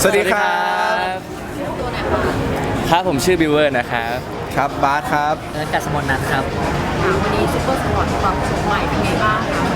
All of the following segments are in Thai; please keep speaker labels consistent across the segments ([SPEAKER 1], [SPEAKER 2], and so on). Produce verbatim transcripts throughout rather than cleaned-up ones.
[SPEAKER 1] สวัสดีครับ
[SPEAKER 2] ครับผมชื่อบิวเวอร์นะครับ
[SPEAKER 1] ครับบาสครับ
[SPEAKER 3] และกัสมนนัทครับ
[SPEAKER 4] วันนี้ซุปเปอร์สปอร์ตปรับโฉมใหม่เป็นไงบ้างคะ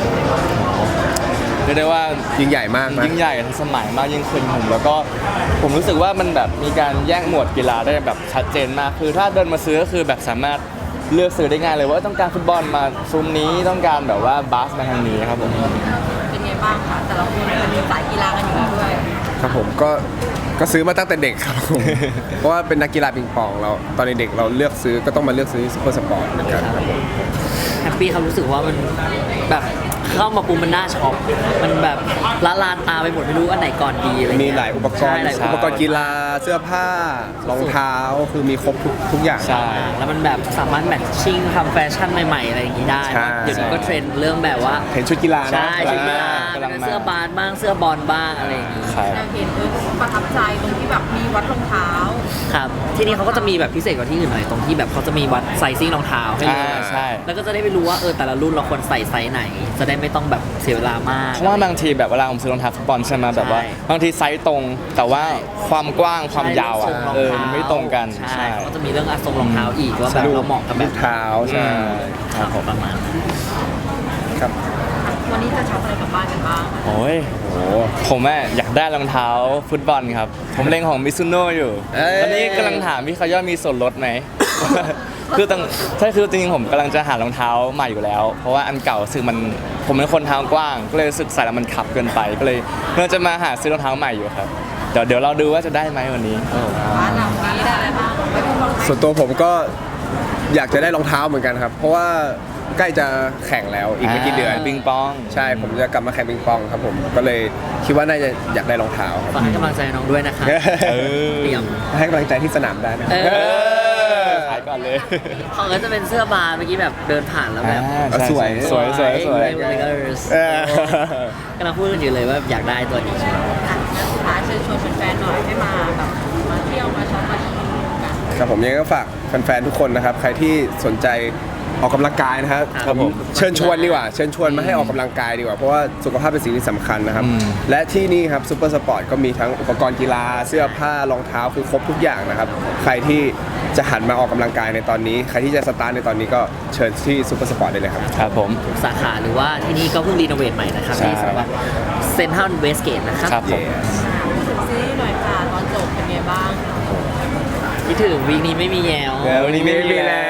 [SPEAKER 2] เรียกได้ว่า
[SPEAKER 1] ยิ่งใหญ่มากนะ
[SPEAKER 2] ยิ่งใหญ่ทันสมัยมากยิ่งขึ้นผมแล้วก็ผมรู้สึกว่ามันแบบมีการแยกหมวดกีฬาได้แบบชัดเจนมากคือถ้าเดินมาซื้อก็คือแบบสามารถเลือกซื้อได้ง่ายเลยว่าต้องการฟุตบอลมาซุ้มนี้ต้องการแบบว่าบาสมาทางนี้ครับผม
[SPEAKER 4] เป็นไงบ้างคะแต่ละคนเป็นสายกีฬากันอยู่แล้วด้วย
[SPEAKER 1] ครับผมก็ก็ซื้อมาตั้งแต่เด็กครับผม เพราะว่าเป็นนักกีฬาปิงปองเราตอนเด็กๆเราเลือกซื้อก็ต้องมาเลือกซื้อซุปเปอร์สปอร์ตเหมือนกันครับผม
[SPEAKER 3] แฮปปี้ครับรู้สึกว่ามันแบบเข้ามาปุ๊บมันน่าช็อปมันแบบละลานตาไปหมดไม่รู้อันไหนก่อนดีอะไร
[SPEAKER 1] มี
[SPEAKER 3] เงี้ย
[SPEAKER 1] หลายอุปกร
[SPEAKER 3] ใช่
[SPEAKER 1] ณ์
[SPEAKER 3] หลาย
[SPEAKER 1] อุปกรณ์กีฬาเสื้อผ้ารองเท้าคือมีครบทุกทุกอย่าง
[SPEAKER 2] ใช่
[SPEAKER 3] แล้วมันแบบสามารถแมทชิ่งทำแฟชั่นใหม่ๆอะไรอย่างนี้ได้
[SPEAKER 1] ใช่
[SPEAKER 3] เดี๋ยวนี้ก็เทรนด์เรื่องแบบว่า
[SPEAKER 1] เห็นชุดกีฬานะ
[SPEAKER 3] ใช่ชุดกีฬาก
[SPEAKER 2] ำลังมา
[SPEAKER 3] เสื้อบาสบ้างเสื้อบอลบ้างอะไรอย่างนี้
[SPEAKER 2] ใช่
[SPEAKER 4] เราเห็นด้วยประทับใจตรงที่แบบมีวัดรองเท้า
[SPEAKER 3] ครับที่นี่เขาก็จะมีแบบพิเศษกว่าที่อื่นหน่อยตรงที่แบบเขาจะมีวัดไซซิ่งรองเท้าให้เล
[SPEAKER 2] อ่าย ใช่
[SPEAKER 3] แล้วก็จะได้ไปรู้ว่าเออแต่ละรุ่นเราควรใส่ไซส์ไหน จะได้ไม่ต้องแบบเสียเวลามาก
[SPEAKER 2] เพราะว่าบางทีแบบเวลาผมซื้อรองเท้าฟุตบอลใช่ไหมแบบว่า
[SPEAKER 3] ใช่
[SPEAKER 2] บางทีไซส์ตรง แต่ว่าความกว้างความยาวอ่ะ
[SPEAKER 3] ใช่
[SPEAKER 2] เออมันไม่ตรงกัน
[SPEAKER 3] ใช่เขาก็จะมีเรื่องอะทรงรองเท้าอีกว่าแบบเราเหมาะกับแบ
[SPEAKER 1] ลู
[SPEAKER 3] บ
[SPEAKER 1] กเท้าใช่
[SPEAKER 3] ครับผมประมาณนั้น
[SPEAKER 1] ครับ
[SPEAKER 4] วันนี้จะช็อปอะไรกลับบ้านกันบ้าง
[SPEAKER 2] โอ้ย
[SPEAKER 1] โอ้
[SPEAKER 2] ผมอะอยากได้รองเท้าฟุตบอลครับ ผมเล็งของมิซุโน่อยู่
[SPEAKER 1] เอ้ย
[SPEAKER 2] ตอนนี้กำลังถามพี่เขาย่ามีส่วนลดไหม คือตั้งใช่คือจริงๆผมกำลังจะหารองเท้าใหม่อยู่แล้ว เพราะว่าอันเก่ารู้สึกมันผมเป็นคนเท้ากว้าง ก็เลยรู้สึกใส่แล้วมันขับเกินไป ก็เลยเพื่อจะมาหาซื้อรองเท้าใหม่อยู่ครับ เดี๋ยวเดี๋ยวเราดูว่าจะได้ไหมวันนี้
[SPEAKER 4] บ้านเราวันนี้ได้อะไรบ้างไม่ต้องบอก
[SPEAKER 1] ส่วนตัวผมก็อยากจะได้รองเท้าเหมือนกันครับ เพราะว่าใกล้จะแข่งแล้วอีกไม่กี่เดือน
[SPEAKER 2] ปิงปอง
[SPEAKER 1] ใช่ผมจะกลับมาแข่งปิงปองครับผมก็เลยคิดว่าน่าจะอยากได้รองเท้าครับ
[SPEAKER 3] ฝากให้กำลังใจน้องด้วยนะครับ
[SPEAKER 2] เออ
[SPEAKER 3] เตรียม
[SPEAKER 1] ให้กำลังใจที่สนามได้นะ
[SPEAKER 3] เอ
[SPEAKER 2] เอ
[SPEAKER 3] อ
[SPEAKER 2] อขายก่อนเลย
[SPEAKER 3] ของก็จะเป็นเสื้อบาร์เมื่อกี้แบบเดินผ่านแล้วแบบ
[SPEAKER 2] อ่าใช่
[SPEAKER 1] สวย
[SPEAKER 2] สวยสวยสวย
[SPEAKER 3] เลเกอร์ส
[SPEAKER 1] เออ
[SPEAKER 3] กำลังพูดกันอยู่เลยว่าอยากได้ตัวนี้ใช่ไหม
[SPEAKER 4] อ่ะแล้วสุดท้ายเชิญชวนแฟนๆหน่อยให้มาแบบมาเที่ยวมาช็อปมาชิมกัน
[SPEAKER 1] ครับผมยังไงก็ฝากแฟนๆทุกคนนะครับใครที่สนใจออกกำลังกายนะครับ
[SPEAKER 2] ครับผม
[SPEAKER 1] เชิญชวนดีกว่าเชิญชวนมาให้ออกกำลังกายดีกว่าเพราะว่าสุขภาพเป็นสิ่งที่สำคัญนะครับ
[SPEAKER 2] อืม
[SPEAKER 1] และที่นี่ครับซูเปอร์สปอร์ตก็มีทั้งอุปกรณ์กีฬาเสื้อผ้ารองเท้าคือครบทุกอย่างนะครับใครที่จะหันมาออกกำลังกายในตอนนี้ ใครที่จะสตาร์ทในตอนนี้ก็เชิญที่ซูเปอร์สปอร์ตได้เลยครับ
[SPEAKER 2] ครับผม
[SPEAKER 3] ทุกสาขาหรือว่าที่นี่ก็เพิ่งรีโนเวทใหม่นะครับ
[SPEAKER 2] ใช่
[SPEAKER 3] ที่สำหรับเซ็นทรัลเวสเกตนะครับ
[SPEAKER 2] ครับผม
[SPEAKER 4] พูดถึงซีรีส์หน่อยค่ะตอนจบเป็นไงบ้าง
[SPEAKER 3] คิดถึงวีคนี้ไม่มีแยว
[SPEAKER 2] แล้ววันนี้ไม่มีแล้ว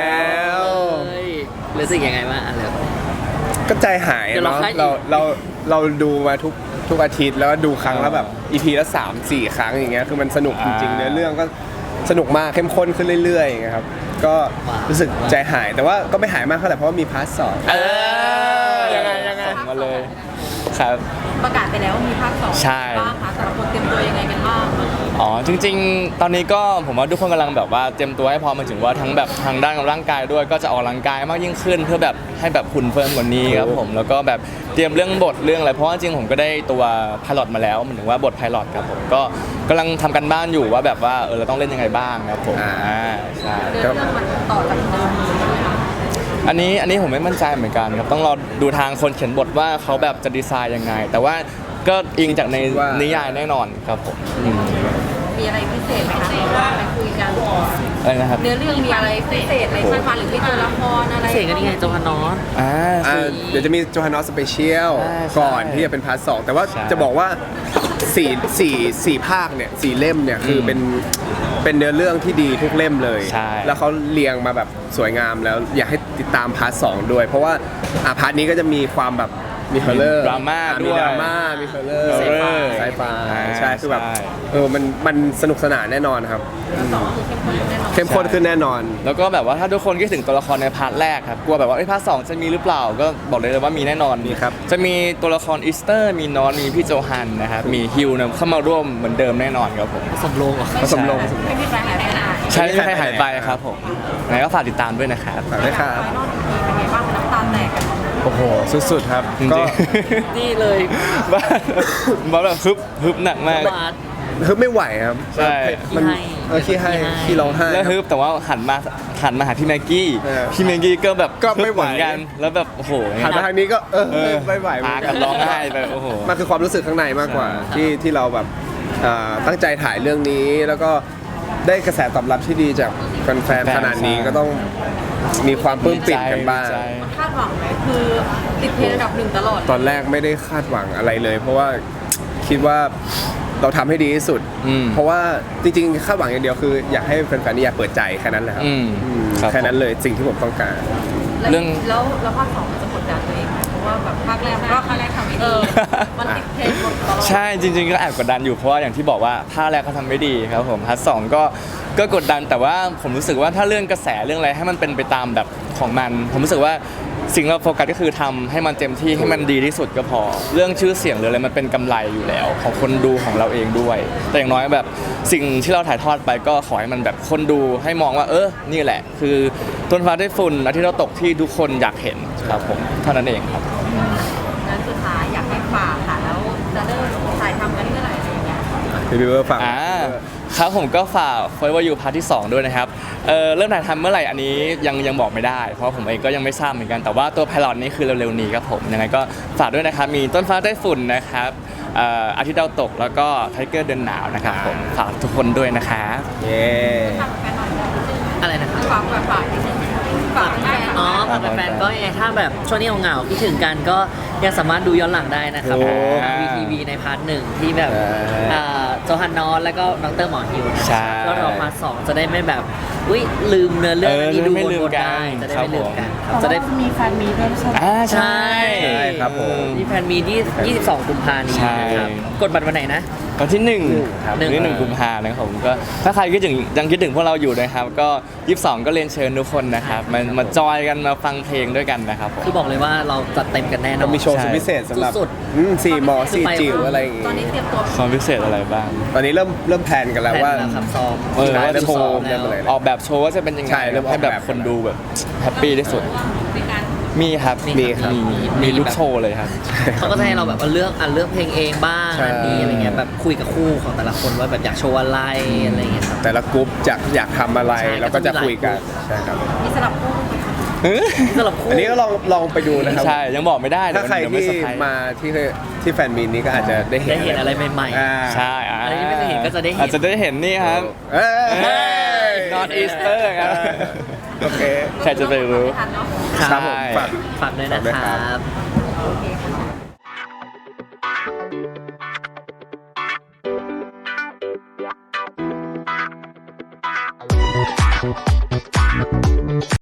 [SPEAKER 3] เฮ้ยรู้สึกยังไงบ้างอ่ะเลย
[SPEAKER 1] ก็ใจหาย
[SPEAKER 3] เดี๋ยวเรา
[SPEAKER 1] เนาะ
[SPEAKER 3] ให้
[SPEAKER 1] เราเราเราดูมาทุกทุกอาทิตย์แล้วก็ดูครั้งละแบบอีพีละสามสี่ครั้งอย่างเงี้ยคือมันสนุกจริงๆ
[SPEAKER 2] อ่า
[SPEAKER 1] เนื้อเรื่องก็สนุกมากเข้มข้นขึ้นเรื่อยๆอย่างเงี้ยครับก็รู้สึกใจหายแต่ว่าก็ไม่หายมากเท่าไหร่เพราะว่ามีพาร์ทสอง
[SPEAKER 2] เออยังไงยังไงมาเลยครับ
[SPEAKER 4] ประกาศไปแล้วว่ามีภาคสอง
[SPEAKER 2] ใช่
[SPEAKER 4] บ้างคะแต่ละคนเตรียมตัวยังไงกันบ้าง
[SPEAKER 2] อ๋อจริงๆ ตอนนี้ก็ผมว่าทุกคนกำลังแบบว่าเตรียมตัวให้พร้อมหมายถึงว่าทั้งแบบทางด้านร่างกายด้วยก็จะออกกำลังกายมากยิ่งขึ้น เพื่อแบบให้แบบหุ่นเฟิร์มกว่านี้ครับผมแล้วก็แบบเตรียมเรื่องบทเรื่องอะไรเพราะว่าจริงๆผมก็ได้ตัวพายロมาแล้วหมายถึงว่าบทพายロครับผมก็กำลังทำกันบ้านอยู่ว่าแบบว่าเออเราต้องเล่นยังไงบ้างครับผมอ่าใช่
[SPEAKER 4] เรื่องเรื่องมันต่อจากเดิมเลยใช่ไหมคะ
[SPEAKER 2] อันนี้อันนี้ผมไม่มั่นใจเหมือนกันครับต้องรอดูทางคนเขียนบทว่าเขาแบบจะดีไซน์ยังไง แต่ว่าก็อิงจากในนิยายแน่นอนครับผมอืม
[SPEAKER 4] มีอะไรพิเศษไหมคะว่าไปคุยกัน
[SPEAKER 2] อะไรนะครับ
[SPEAKER 4] เนื้อเรื่องมีอะไรพิเศษอะไรใช่ไหมหรือมีตัวละครอะไร
[SPEAKER 3] เสียงกันยังไงโจฮานอส
[SPEAKER 2] อ่า
[SPEAKER 1] อ่า
[SPEAKER 2] คือ
[SPEAKER 1] เดี๋ยวจะมีโจฮานอสสเปเชียล
[SPEAKER 2] ใช่ใช่
[SPEAKER 1] ก่อนที่จะเป็นพาร์ทสองแต่ว่า
[SPEAKER 2] ใช่
[SPEAKER 1] จะบอกว่าสี่สี่สี่ภาคเนี่ยสี่เล่มเนี่ยคือเป็นเป็นเนื้อเรื่องที่ดีทุกเล่มเลย
[SPEAKER 2] ใช่
[SPEAKER 1] แล้วเขาเรียงมาแบบสวยงามแล้วอยากให้ติดตามพาร์ทสองด้วย เพราะว่าอ่าพาร์ทนี้ก็จะมีความแบบมีเฮอร์เลอร์
[SPEAKER 2] ดราม่า
[SPEAKER 1] มี
[SPEAKER 2] ด้วย
[SPEAKER 1] ดราม่ามีเฮอร์เลอร์
[SPEAKER 2] ไซไฟ
[SPEAKER 1] ไซไฟ
[SPEAKER 2] อ่า
[SPEAKER 1] ใช่คือแบบ
[SPEAKER 2] ใช่
[SPEAKER 1] เออมันมันสนุกสนานแน่นอนครับ
[SPEAKER 4] สองคือเข้มข้นแน่นอน
[SPEAKER 1] เข้มข้นขึ้นแน่นอน
[SPEAKER 2] แล้วก็แบบว่าถ้าทุกคนคิดถึงตัวละครในพาร์ทแรกครับกลัวแบบว่าไอ้ยพาร์ทสองจะมีหรือเปล่าก็บอกเลยว่ามีแน่นอน
[SPEAKER 1] มีครับ
[SPEAKER 2] จะมีตัวละครอีสเตอร์มีนอนมีพี่โจฮันนะครับมีฮิวเนี่ยเข้ามาร่วมเหมือนเดิมแน่นอนครับผม
[SPEAKER 3] สมโลงเหรอ
[SPEAKER 1] ผสมลง
[SPEAKER 4] ไม่มีใครหายไปไหน
[SPEAKER 2] ใช่ไม่มีใครหายไปครับผมไหนก็ฝากติดตามด้วยนะครับ
[SPEAKER 1] ฝากด้วยครับ
[SPEAKER 4] ไฟนอลเป็นไงบ้างน้ำตาแตกกัน
[SPEAKER 1] โอ้โหสุดๆครับ
[SPEAKER 2] จริง
[SPEAKER 1] ก็
[SPEAKER 2] ๆ
[SPEAKER 3] นี่เลย
[SPEAKER 2] บ้าบ้าแบบฮึบฮึบหนักมาก
[SPEAKER 3] บาส
[SPEAKER 1] ฮึบไม่ไหวครับ
[SPEAKER 2] ใช่
[SPEAKER 1] มัน
[SPEAKER 3] ขี้ให้
[SPEAKER 1] เออขี้ให้
[SPEAKER 3] ขี้ให้
[SPEAKER 1] ขี้ร้องไห้
[SPEAKER 2] แล้วฮึบแต่ว่าหันมาหันมาหาพี่แม็กกี้
[SPEAKER 1] เออ
[SPEAKER 2] พี่แม็กกี้ก็แบบ
[SPEAKER 1] ก็ไม่ไหว
[SPEAKER 2] เอนกันแล้วแบบโอ้โห
[SPEAKER 1] หันมาทางนี้ก็เออ
[SPEAKER 2] เออ
[SPEAKER 1] ไม่ไหวเหมื
[SPEAKER 2] พา
[SPEAKER 1] อน
[SPEAKER 2] กั
[SPEAKER 1] กัน น
[SPEAKER 2] ร้องไห้ไปโอ้โห
[SPEAKER 1] มันคือความรู้สึกข้างในมากกว่า
[SPEAKER 2] ใช่
[SPEAKER 1] ที่ที่เราแบบอ่าตั้งใจถ่ายเรื่องนี้แล้วก็ได้กระแสตอบรับที่ดีจากแฟนๆขนาดนี้ก็ต้องมีความปลื้มปิ่มกันบ้าง
[SPEAKER 2] ดีใจ
[SPEAKER 4] คาดหวังไหมคือติดเทรนด์อันดับหนึ่งตลอด
[SPEAKER 1] ตอนแรกไม่ได้คาดหวังอะไรเลย เพราะว่าคิดว่าเราทำให้ดีที่สุด
[SPEAKER 2] อืม
[SPEAKER 1] เพราะว่าจริงๆคาดหวังอย่างเดียวคืออยากให้แฟนๆนี่อยากเปิดใจแค่นั้นแหละครับ
[SPEAKER 2] อืม
[SPEAKER 1] อืม
[SPEAKER 2] ครับ
[SPEAKER 1] แค่นั้นเลยสิ่งที่ผมต้องการ
[SPEAKER 2] เรื่อง
[SPEAKER 4] แล้วแล้วภาคสองมันจะกดดันตัวเองไหมเพราะว่าแบบภาคแรกก็ภาคแรกทำไม่ดีมันติดเทรนด์หมดตลอด
[SPEAKER 2] ใช่จริง ๆ ก็แอบกดดันอยู่เพราะว่าอย่างที่บอกว่าภาคแรกเขาทำไม่ดีครับผมพาร์ทสองก็ก็กดดันแต่ว่าผมรู้สึกว่าถ้าเรื่องกระแสเรื่องอะไรให้มันเป็นไปตามแบบของมัน ผมรู้สึกว่าสิ่งเราโฟกัสก็คือทำให้มันเต็มที่ให้มันดีที่สุดก็พอ เรื่องชื่อเสียงหรืออะไรมันเป็นกำไรอยู่แล้ว ของคนดูของเราเองด้วย แต่อย่างน้อยแบบสิ่งที่เราถ่ายทอดไปก็ขอให้มันแบบคนดูให้มองว่าเออนี่แหละ คือต้นฟ้าได้ฝุ่นอาทิตย์เราตกที่ทุกคนอยากเห็นครับผมเท่านั้นเองครับ
[SPEAKER 4] นั้นสุดท้ายอยากให้ฝากค่ะแล้วจะเริ่มถ่ายทำกันเมื่อไหร่อะไรอย่างเงี้ย
[SPEAKER 1] พี่บิวเวอร์ฟัง
[SPEAKER 2] อ่าครับผมก็ฝาก Forever You พาร์ทที่สองด้วยนะครับเอ่อเริ่มถ่ายทำเมื่อไหร่อันนี้ยังยังบอกไม่ได้ เพราะผมเองก็ยังไม่ทราบเหมือนกันแต่ว่าตัวไพลอตนี้คือเร็วๆนี้ครับผมยังไงก็ฝากด้วยนะครับมีต้นฟ้าใต้ฝุ่นนะครับเอ่ออาทิตย์ดาวตกแล้วก็ไทเกอร์เดินหนาวนะครับผมฝากทุกคนด้วยนะครับ
[SPEAKER 1] เย้
[SPEAKER 4] ฝากแฟนหน่อย
[SPEAKER 3] อะไรนะครับ
[SPEAKER 4] ฝากแบบฝากนิดนึงฝากแฟนๆ
[SPEAKER 3] อ๋อฝากแฟนๆก็ยังไงถ้าแบบช่วงนี้เหงาๆคิดถึงกันก็ยังสามารถดูย้อนหลังได้นะครับ
[SPEAKER 1] โอ้
[SPEAKER 3] ทางวีทีวีในพาร์ทหนึ่งที่แบบ
[SPEAKER 1] ใช่
[SPEAKER 3] อ่าโจฮันนอนแล้วก็ดรหมอฮิวนะ
[SPEAKER 2] ใช่
[SPEAKER 3] ก็รอพาร์ทสองจะได้ไม่แบบอุ้ยลืมเนื้อเรื่อง
[SPEAKER 2] เออ
[SPEAKER 3] ที่ดู
[SPEAKER 2] จะได้ไม่ลืม
[SPEAKER 3] วนๆ
[SPEAKER 2] กัน
[SPEAKER 3] ได้จะได้
[SPEAKER 2] ครับ
[SPEAKER 3] ไม่ลืม
[SPEAKER 2] ผม
[SPEAKER 3] กันครับ
[SPEAKER 5] จะ
[SPEAKER 3] จะ
[SPEAKER 5] ได้
[SPEAKER 3] ได้
[SPEAKER 5] มีแฟนมีด้วยใช่ไหม
[SPEAKER 2] อ่าใช่
[SPEAKER 1] ใช่ครับผม
[SPEAKER 3] มีแฟนมีที่ยี่สิบสองกุมภาพันธ์นี้
[SPEAKER 2] ใช่
[SPEAKER 3] นะครับกดบัตรวันไหนนะ
[SPEAKER 2] วันที่หนึ่ง
[SPEAKER 1] ครับ
[SPEAKER 2] วันที่หนึ่งกุมภานะครับผมก็ถ้าใครคิดถึงยังคิดถึงพวกเราอยู่นะครับก็ยี่สิบสองก็เรียนเชิญทุกคนนะครับมามาจอยกันมาฟังเพลงด้วยกันนะครับผม
[SPEAKER 3] คือบอกเลยว่าเราจัดเต็มกันแน่นอ
[SPEAKER 1] เรา
[SPEAKER 3] น
[SPEAKER 1] มีโชว์สุดพิเศษสำหรับ
[SPEAKER 3] สุด
[SPEAKER 1] อืมสี่หมอสี่จิ๋วอะไรอย่างงี้
[SPEAKER 4] ตอนนี้เตรียมตัว
[SPEAKER 2] ความพิเศษอะไรบ้าง
[SPEAKER 1] ตอนนี้เริ่มเริ่มแพลนกันแล้ว
[SPEAKER 3] แผน
[SPEAKER 1] ว่า
[SPEAKER 3] แล้วครับซ้อม
[SPEAKER 2] เออ
[SPEAKER 1] ใช่
[SPEAKER 2] ว่า
[SPEAKER 1] เริ่ม
[SPEAKER 2] โช
[SPEAKER 1] ซ้อ
[SPEAKER 2] ว์
[SPEAKER 1] มเริ่มอะไร
[SPEAKER 2] ออกแบบโชว์ว่าจะเป็นยังไง
[SPEAKER 1] ใช่เริ่มออก
[SPEAKER 2] ให้แบบ
[SPEAKER 1] แบบ
[SPEAKER 2] คนดูแบบแฮปปี้ที่สุด
[SPEAKER 4] มีการ
[SPEAKER 2] มีครับ
[SPEAKER 1] มีครับ
[SPEAKER 2] มีมีทุกโชว์เลยครับ
[SPEAKER 3] เขาก็จะให้เราแบบว่าเลือกอ่ะเลือกเพลงเองบ้าง
[SPEAKER 1] ใช่
[SPEAKER 3] อันนี้อะไรเงี้ยแบบคุยกับคู่ของแต่ละคนว่าแบบอยากโชว์อะไรอะไรเงี้ยครับ
[SPEAKER 1] แต่ละกรุ๊ปจะอยากทำอะไร
[SPEAKER 3] ใช่
[SPEAKER 1] แล้วก็จะคุยกัน
[SPEAKER 3] ก็จะมีหลายกรุ๊ป
[SPEAKER 1] ใช่ครับ
[SPEAKER 4] มีสลับคู่ไหมคะ
[SPEAKER 3] สำหรับคู่
[SPEAKER 1] อันนี้ก็ลองลองไปดูนะครับ
[SPEAKER 2] ใช่ยังบอกไม่ได้
[SPEAKER 1] ถ้าใคร
[SPEAKER 2] เดี๋ยวไม่
[SPEAKER 1] ที่
[SPEAKER 2] เซอร์ไพรส์
[SPEAKER 1] มาที่ที่แฟนมีนนี้ก็อาจจะได้เห็น
[SPEAKER 3] ได้เห็นอะไรใหม่ๆ
[SPEAKER 1] อ่า
[SPEAKER 2] ใช่อ่า
[SPEAKER 3] อะไรที่ไม่เคยเห็นก็จะได้เห็น
[SPEAKER 2] อาจจะได้เห็นนี่ครับ
[SPEAKER 1] เอ้ย
[SPEAKER 2] North Easter ครับ
[SPEAKER 1] โอเค
[SPEAKER 2] ใครจะไปรู้
[SPEAKER 4] ไม่ทันเนาะ
[SPEAKER 1] ครับผมฝาก
[SPEAKER 3] ฝากด้วยนะ
[SPEAKER 1] ฝากด้วย
[SPEAKER 3] ค
[SPEAKER 1] ครั
[SPEAKER 3] รับ บ
[SPEAKER 4] โอเคค่ะ